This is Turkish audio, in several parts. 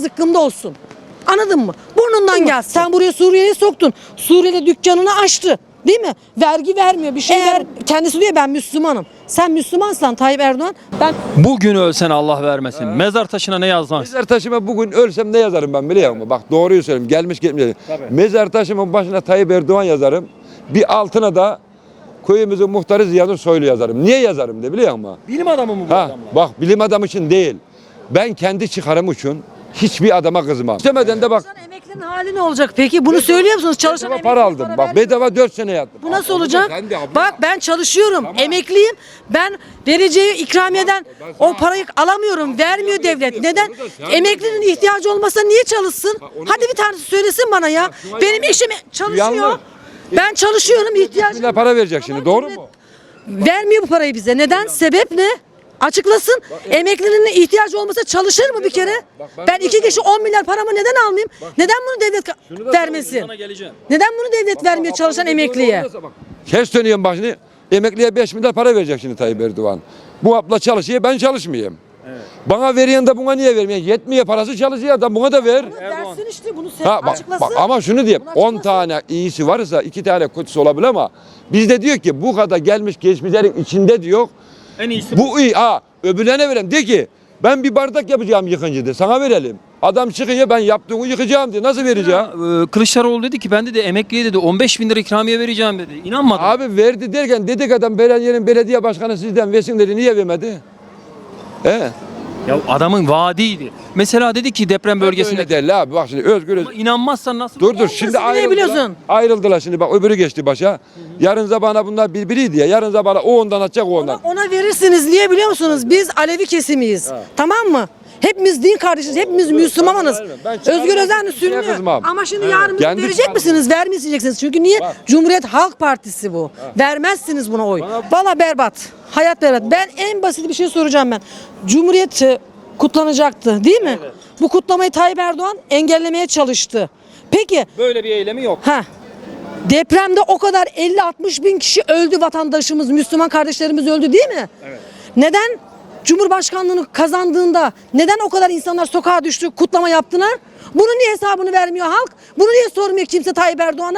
zıkkımda olsun. Anladın mı? Burnundan gelsin. Sen buraya Suriye'yi soktun. Suriye'de dükkanını açtı. Değil mi? Vergi vermiyor, bir şey ver. Kendisi diyor ben Müslümanım. Sen Müslümansan Tayyip Erdoğan, ben Bugün ölsen Allah vermesin. Mezar taşına ne yazmaz? Mezar taşıma bugün ölsem ne yazarım ben biliyor musun? Bak doğruyu söyleyeyim. Gelmiş gitmiş. Mezar taşımın başına Tayyip Erdoğan yazarım. Bir altına da köyümüzün muhtarı Ziya Soylu yazarım. Niye yazarım de biliyor musun? Bilim adamı mı bu Ha, adamlar? bak bilim adamı için değil. Ben kendi çıkarım için hiçbir adama kızmam. İstemeden de bak. emeklinin hali ne olacak peki? Bunu söylüyor musunuz? Çalışan Bedava para aldım. Bak bedava 4 sene yattım. bu nasıl Abi, olacak? sen de abla. Bak ben çalışıyorum, emekliyim. Ben vereceği ikramiyeden o parayı alamıyorum, vermiyor devlet. Neden? Emeklinin ihtiyacı olmasa niye çalışsın? Hadi bir tanesi söylesin bana ya. Benim eşim çalışıyor. Yanlış. Ben çalışıyorum, ihtiyacım. Millet para verecek şimdi doğru mu? Vermiyor bu parayı bize. Neden? Sebep ne? Açıklasın. Emeklinin ihtiyacı olmasa çalışır mı bir kere? Ben iki kişi 10 milyar paramı neden almayayım? Neden bunu devlet vermesin? Sana geleceğim. Neden bunu devlet vermiyor çalışan emekliye? Kes dönüyorum bak şimdi. Emekliye 5 milyar para verecek şimdi Tayyip Erdoğan. Bu abla çalışıyor ben çalışmayayım. Bana veriyen de buna niye vermiyor? Yetmiyor parası çalışıyor adam buna da ver. Versin işte bunu Ha, bak, açıklasın. bak, ama şunu diyeyim. Bunu 10 açıklasın. tane iyisi varsa 2 tane kötüsü olabilir ama bizde diyor ki bu kadar gelmiş geçmişlerin içinde diyor. En iyisi Bu iyi. Öbürlerine verelim. De ki ben bir bardak yapacağım yıkıncı de sana verelim. Adam çıkıyor ben yaptığımı yıkacağım diye. Nasıl vereceğim? Kılıçdaroğlu dedi ki ben de emekliye dedi 15 bin lira ikramiye vereceğim dedi. İnanmadım. Abi verdi derken dedik adam belediyenin belediye başkanı sizden versin dedi. Niye vermedi? Ya adamın vaadiydi. Mesela dedi ki deprem bölgesinde. Öyle değil abi. Bak şimdi özgür. Ama inanmazsan nasıl? Dur şimdi Nasıl bilebiliyorsun? ayrıldılar şimdi bak öbürü geçti başa. Yarın zabana bunlar birbiriydi ya. Yarın zabana o ondan atacak o ondan. Ona verirsiniz. Niye biliyor musunuz? Biz Alevi kesimiyiz. Tamam mı? Hepimiz din kardeşiz. Hepimiz Müslümanız. Ben Özgür Özel şeye sürünüyor. kızmam. Ama şimdi yarın Kendi verecek çıkarım. misiniz? Vermeyeceksiniz. Çünkü niye? Cumhuriyet Halk Partisi bu. Vermezsiniz buna oy. Valla berbat. Hayat berbat. Ben en basit bir şey soracağım ben. Cumhuriyet kutlanacaktı değil mi? Bu kutlamayı Tayyip Erdoğan engellemeye çalıştı. Peki Böyle bir eylemi yok. depremde o kadar 50-60 bin kişi öldü, vatandaşımız, Müslüman kardeşlerimiz öldü değil mi? Evet. Neden Cumhurbaşkanlığını kazandığında neden o kadar insanlar sokağa düştü, kutlama yaptılar? Bunun niye hesabını vermiyor halk? Bunu niye sormuyor kimse Tayyip Erdoğan'a?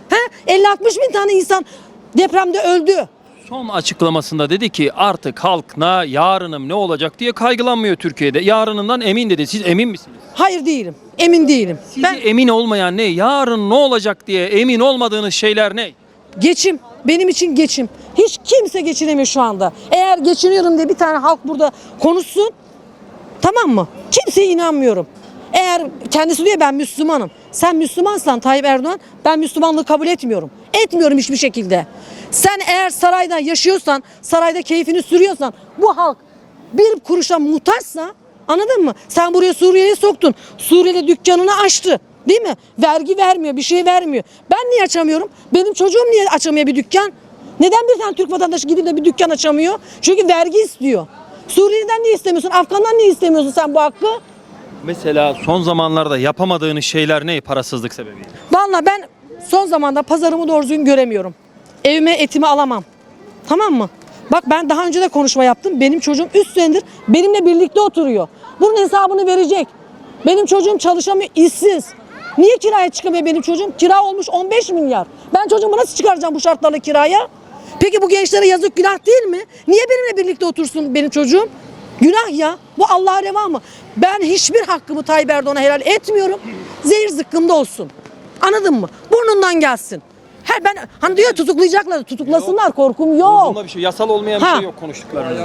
50-60 bin tane insan depremde öldü. Son açıklamasında dedi ki artık halk yarınım ne olacak diye kaygılanmıyor Türkiye'de. Yarınından emin dedi. Siz emin misiniz? Hayır değilim. Emin değilim. Sizi emin olmayan ne? Yarın ne olacak diye emin olmadığınız şeyler ne? Geçim. Benim için geçim. Hiç kimse geçinemiyor şu anda. Eğer geçiniyorum diye bir tane halk burada konuşsun. Tamam mı? Kimseye inanmıyorum. Eğer kendisi diyor ben Müslümanım. Sen Müslümansan Tayyip Erdoğan, ben Müslümanlığı kabul etmiyorum. Etmiyorum hiçbir şekilde. Sen eğer sarayda yaşıyorsan, sarayda keyfini sürüyorsan, bu halk bir kuruşa muhtaçsa, anladın mı? Sen buraya Suriye'yi soktun. Suriye'de dükkanını açtı. Değil mi? Vergi vermiyor, bir şey vermiyor. Ben niye açamıyorum? Benim çocuğum niye açamıyor bir dükkan? Neden bir tane Türk vatandaşı gidip de bir dükkan açamıyor? Çünkü vergi istiyor. Suriye'den niye istemiyorsun? Afgan'dan niye istemiyorsun sen bu hakkı? Mesela son zamanlarda yapamadığınız şeyler ne parasızlık sebebiyle? Vallahi ben son zamanda pazarımı doğru düzgün göremiyorum. Evime etimi alamam. Tamam mı? Bak ben daha önce de konuşma yaptım. Benim çocuğum 3 senedir benimle birlikte oturuyor. Bunun hesabını verecek. Benim çocuğum çalışamıyor, işsiz. Niye kiraya çıkamıyor benim çocuğum? Kira olmuş 15 milyar. Ben çocuğumu nasıl çıkaracağım bu şartlarla kiraya? Peki bu gençlere yazık günah değil mi? Niye benimle birlikte otursun benim çocuğum? Günah ya. Bu Allah'a reva mı? Ben hiçbir hakkımı Tayyip Erdoğan'a helal etmiyorum. Zehir zıkkımda olsun. Anladın mı? Burnundan gelsin. Ben hani diyor tutuklayacaklar. Tutuklasınlar. Korkum yok. Bunda bir şey, yasal olmayan bir şey yok konuştuklarında.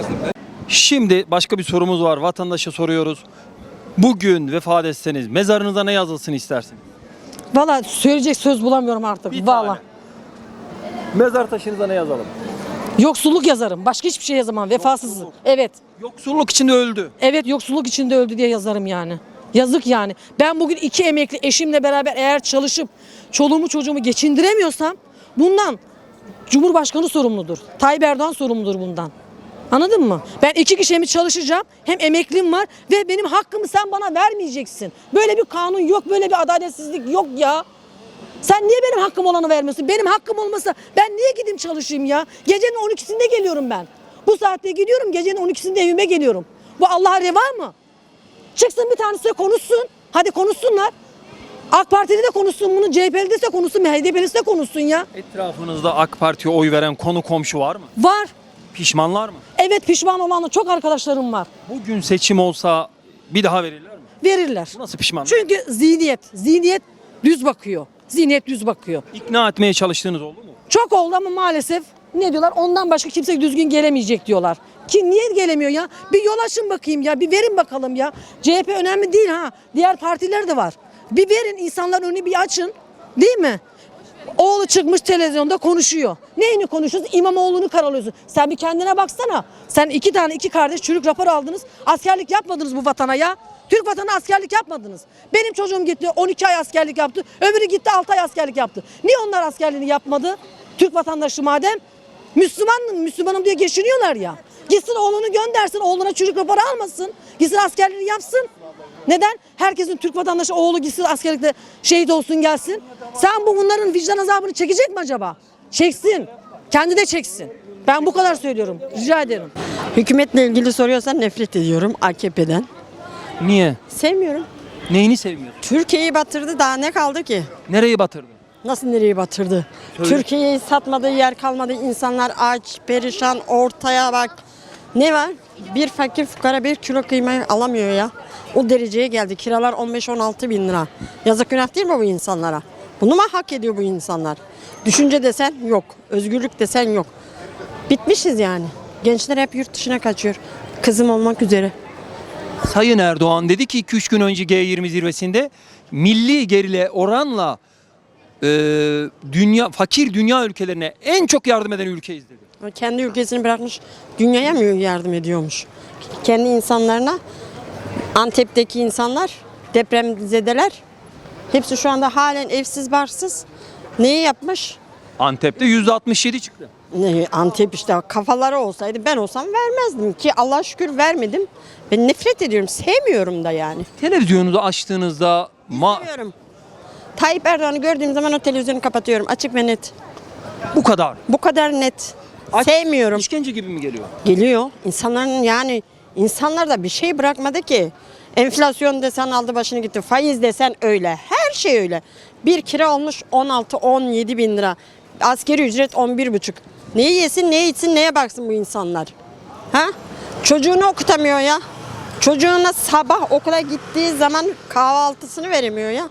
Şimdi başka bir sorumuz var. Vatandaşa soruyoruz. Bugün vefat etseniz mezarınıza ne yazılsın istersiniz? Valla söyleyecek söz bulamıyorum artık. Bir Valla. tane. Mezar taşınıza ne yazalım? Yoksulluk yazarım. Başka hiçbir şey yazamam. Vefasızlık. Evet. Yoksulluk içinde öldü. Evet, yoksulluk içinde öldü diye yazarım yani. Yazık yani. Ben bugün 2 emekli eşimle beraber eğer çalışıp çoluğumu çocuğumu geçindiremiyorsam bundan Cumhurbaşkanı sorumludur. Tayyip Erdoğan sorumludur bundan. Anladın mı? Ben 2 kişi hem çalışacağım hem emeklim var ve benim hakkımı sen bana vermeyeceksin. Böyle bir kanun yok, böyle bir adaletsizlik yok ya. Sen niye benim hakkım olanı vermiyorsun? Benim hakkım olmasa ben niye gideyim çalışayım ya? Gecenin 12'sinde geliyorum ben. Bu saatte gidiyorum, gecenin 12'sinde evime geliyorum. Bu Allah'a reva mı? Çıksın bir tanesi konuşsun. Hadi konuşsunlar. AK Partili de konuşsun bunu, CHP'li de konuşsun, HDP'lisi de konuşsun ya. Etrafınızda AK Parti'ye oy veren konu komşu var mı? Var. Pişmanlar mı? Evet, pişman olan çok arkadaşlarım var. Bugün seçim olsa bir daha verirler mi? Verirler. Bu nasıl pişman? Çünkü zihniyet düz bakıyor. Zihniyet düz bakıyor. İkna etmeye çalıştığınız oldu mu? Çok oldu ama maalesef ne diyorlar? Ondan başka kimse düzgün gelemeyecek diyorlar. Ki niye gelemiyor ya? Bir yol açın bakayım ya. Bir verin bakalım ya. CHP önemli değil ha. Diğer partiler de var. Bir verin, insanların önünü bir açın. Değil mi? Oğlu çıkmış televizyonda konuşuyor. Neyini konuşuyorsun? İmamoğlu'nu karalıyorsun. Sen bir kendine baksana. Sen iki kardeş çürük rapor aldınız. Askerlik yapmadınız bu vatana ya. Türk vatanı askerlik yapmadınız. Benim çocuğum gitti 12 ay askerlik yaptı. Öbürü gitti 6 ay askerlik yaptı. Niye onlar askerliğini yapmadı? Türk vatandaşı madem. Müslümanım diye geçiniyorlar ya. Gitsin oğlunu göndersin. Oğluna çürük raporu almasın. Gitsin askerliğini yapsın. Neden? Herkesin Türk vatandaşı oğlu gitsin askerlikte şehit olsun gelsin. Sen bunların vicdan azabını çekecek mi acaba? Çeksin. Kendi de çeksin. Ben bu kadar söylüyorum. Rica ederim. Hükümetle ilgili soruyorsan nefret ediyorum AKP'den. Niye? Sevmiyorum. Neyini sevmiyorsun? Türkiye'yi batırdı, daha ne kaldı ki? Nereyi batırdı? Nasıl nereyi batırdı? Söyle. Türkiye'yi satmadığı yer kalmadı. İnsanlar aç, perişan, ortaya bak. Ne var? Bir fakir fukara bir kilo kıymayı alamıyor ya. O dereceye geldi. Kiralar 15-16 bin lira. Yazık günah değil mi bu insanlara? Bunu mu hak ediyor bu insanlar? Düşünce desen yok. Özgürlük desen yok. Bitmişiz yani. Gençler hep yurt dışına kaçıyor. Kızım olmak üzere. Sayın Erdoğan dedi ki 2-3 gün önce G20 zirvesinde milli gerile oranla fakir dünya ülkelerine en çok yardım eden ülkeyiz dedi. O kendi ülkesini bırakmış, dünyaya mı yardım ediyormuş? Kendi insanlarına, Antep'teki insanlar, depremzedeler, hepsi şu anda halen evsiz barsız. Neyi yapmış? Antep'te %67 çıktı. Antep işte kafaları olsaydı ben olsam vermezdim ki Allah'a şükür vermedim. Ben nefret ediyorum, sevmiyorum da yani. Televizyonunuzu açtığınızda Sevmiyorum. Tayyip Erdoğan'ı gördüğüm zaman o televizyonu kapatıyorum, açık ve net. bu kadar. Bu kadar net. Sevmiyorum. İşkence gibi mi geliyor? Geliyor. İnsanların yani insanlar da bir şey bırakmadı ki. Enflasyon desen aldı başını gitti. Faiz desen öyle. Her şey öyle. Bir kira olmuş 16-17 bin lira. Asgari ücret 11,5. Neyi yesin, ne içsin, neye baksın bu insanlar? Ha? Çocuğunu okutamıyor ya. Çocuğuna sabah okula gittiği zaman kahvaltısını veremiyor ya.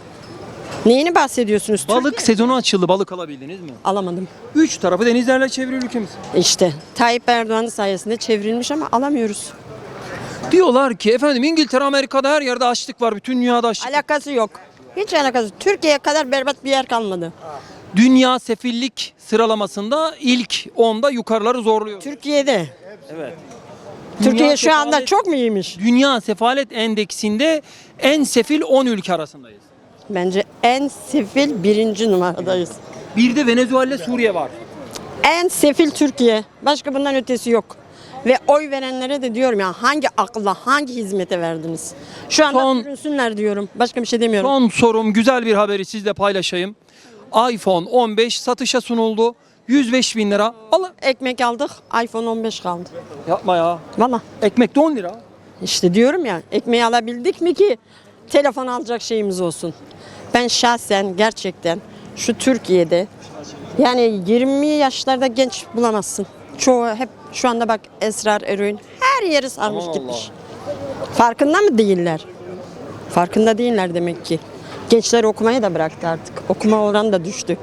Neyini bahsediyorsunuz? Balık Türkiye- sezonu açıldı. Balık alabildiniz mi? Alamadım. 3 tarafı denizlerle çevrili ülkemiz. İşte Tayyip Erdoğan sayesinde çevrilmiş ama alamıyoruz. Diyorlar ki efendim İngiltere, Amerika'da her yerde açlık var. Bütün dünyada açlık. Alakası yok. Hiç alakası. Türkiye'ye kadar berbat bir yer kalmadı. Dünya sefillik sıralamasında ilk 10'da yukarıları zorluyor. Türkiye'de. Evet. Türkiye şu anda sefalet- çok mu iyiymiş? Dünya Sefalet Endeksinde en sefil 10 ülke arasındayız. Bence en sefil 1. numaradayız. Bir de Venezuela, Suriye var. En sefil Türkiye. Başka bundan ötesi yok. Ve oy verenlere de diyorum ya hangi akla, hangi hizmete verdiniz? Şu anda Son- sürünsünler diyorum. Başka bir şey demiyorum. Son sorum, güzel bir haberi sizle paylaşayım. iPhone 15 satışa sunuldu. 105 bin lira. Alın. Ekmek aldık, iPhone 15 kaldı. Yapma ya. Valla. Ekmek de 10 lira. İşte diyorum ya ekmeği alabildik mi ki telefon alacak şeyimiz olsun. Ben şahsen gerçekten şu Türkiye'de yani 20 yaşlarda genç bulamazsın. Çoğu hep şu anda bak esrar, eroin her yeri sarmış Aman gitmiş. Farkında mı değiller? Farkında değiller demek ki. Gençler okumayı da bıraktı artık. Okuma oranı da düştü.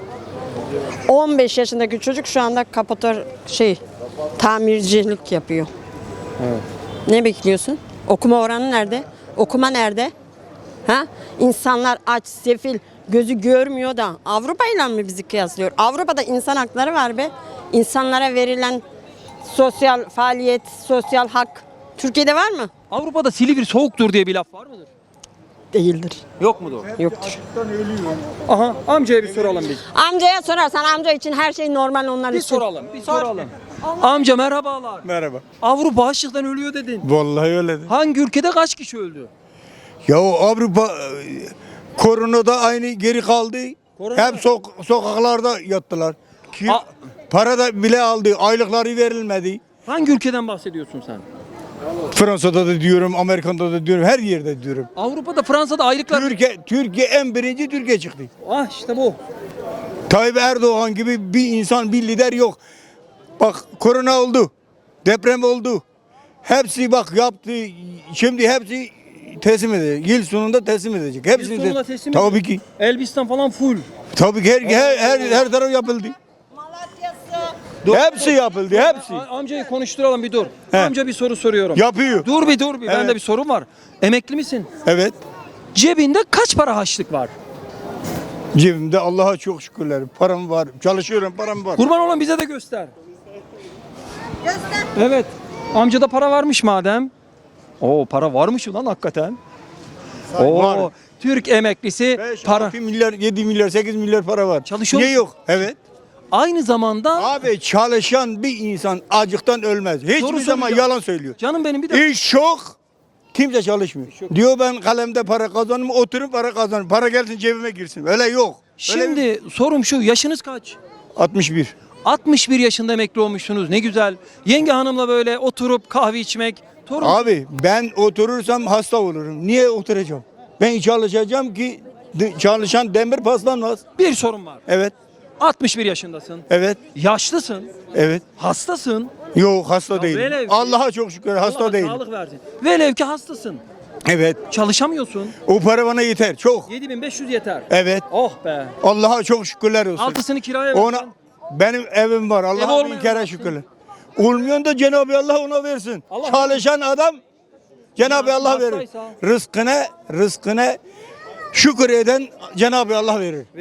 15 yaşındaki çocuk şu anda tamircilik yapıyor. Ne bekliyorsun? Okuma oranı nerede? Okuma nerede? Ha? İnsanlar aç, sefil, gözü görmüyor da Avrupa ile mi bizi kıyaslıyor? Avrupa'da insan hakları var be. İnsanlara verilen sosyal faaliyet, sosyal hak. Türkiye'de var mı? Avrupa'da Silivri soğuktur diye bir laf var mıdır? Değildir. Yok mudur? Yoktur. Aha, amcaya bir soralım biz. Amcaya sorarsan amca için her şey normal onlar Bir için. soralım, bir soralım. Amca merhabalar. Merhaba. Avrupa açlıktan ölüyor dedin. Vallahi öyledir. Hangi ülkede kaç kişi öldü? Ya o Avrupa koronada aynı geri kaldı. Korona- Hep sokaklarda yattılar. A- Para da bile aldı. Aylıkları verilmedi. Hangi ülkeden bahsediyorsun sen? Fransa'da da diyorum, Amerika'da da diyorum, her yerde diyorum. Avrupa'da, Fransa'da aylıklar... Türkiye en birinci Türkiye çıktı. Ah işte bu. Tayyip Erdoğan gibi bir insan, bir lider yok. Bak korona oldu, deprem oldu. Hepsi bak yaptı, şimdi hepsi teslim edecek. Yıl sonunda teslim edecek. Hepsini sonunda teslim Tabii edecek. ki. Elbistan falan full. Tabii ki her taraf yapıldı. Hepsi yapıldı, hepsi. Amcayı konuşturalım bir dur. He. Amca bir soru soruyorum. Yapıyor. Dur bir. Evet. Bende bir sorun var. Emekli misin? Evet. Cebinde kaç para harçlık var? Cebimde Allah'a çok şükürler. Param var. Çalışıyorum, param var. Kurban olan bize de göster. Göster. Evet. Amcada para varmış madem. Oo para varmış ulan hakikaten. Oo Var. Türk emeklisi 5, para. 6 milyar, 7 milyar, 8 milyar para var. Çalışıyor Niye musun? yok? Evet. Aynı zamanda Abi çalışan bir insan acıktan ölmez. Hiçbir Doğru zaman söylüyor. yalan söylüyor. canım benim bir de İş çok. Kimse çalışmıyor. Diyor ben kalemde para kazanırım, oturup para kazanırım. Para gelsin cebime girsin. Öyle yok. Öyle şimdi sorum şu, yaşınız kaç? 61. 61 yaşında emekli olmuşsunuz, ne güzel. Yenge hanımla böyle oturup kahve içmek. Torun. Abi ben oturursam hasta olurum. Niye oturacağım? Ben çalışacağım ki çalışan demir paslanmaz. Bir sorun var. Evet. 61 yaşındasın. Evet. Yaşlısın. Evet. Hastasın. Yok hasta Ya değilim. velev ki- Allah'a çok şükür hasta Allah değilim. sağlık versin. Velev ki hastasın. Evet. Çalışamıyorsun. O para bana yeter. Çok. 7500 yeter. Evet. Oh be. Allah'a çok şükürler olsun. Altısını kiraya Ona versen. benim evim var. Evi Allah'a olmayan bin kere olsun. şükürler. Olmayan da Cenab-ı Allah ona versin. Allah Çalışan adam Cenab-ı Allah verir. hastaysa- Rızkına şükür eden Cenab-ı Allah verir.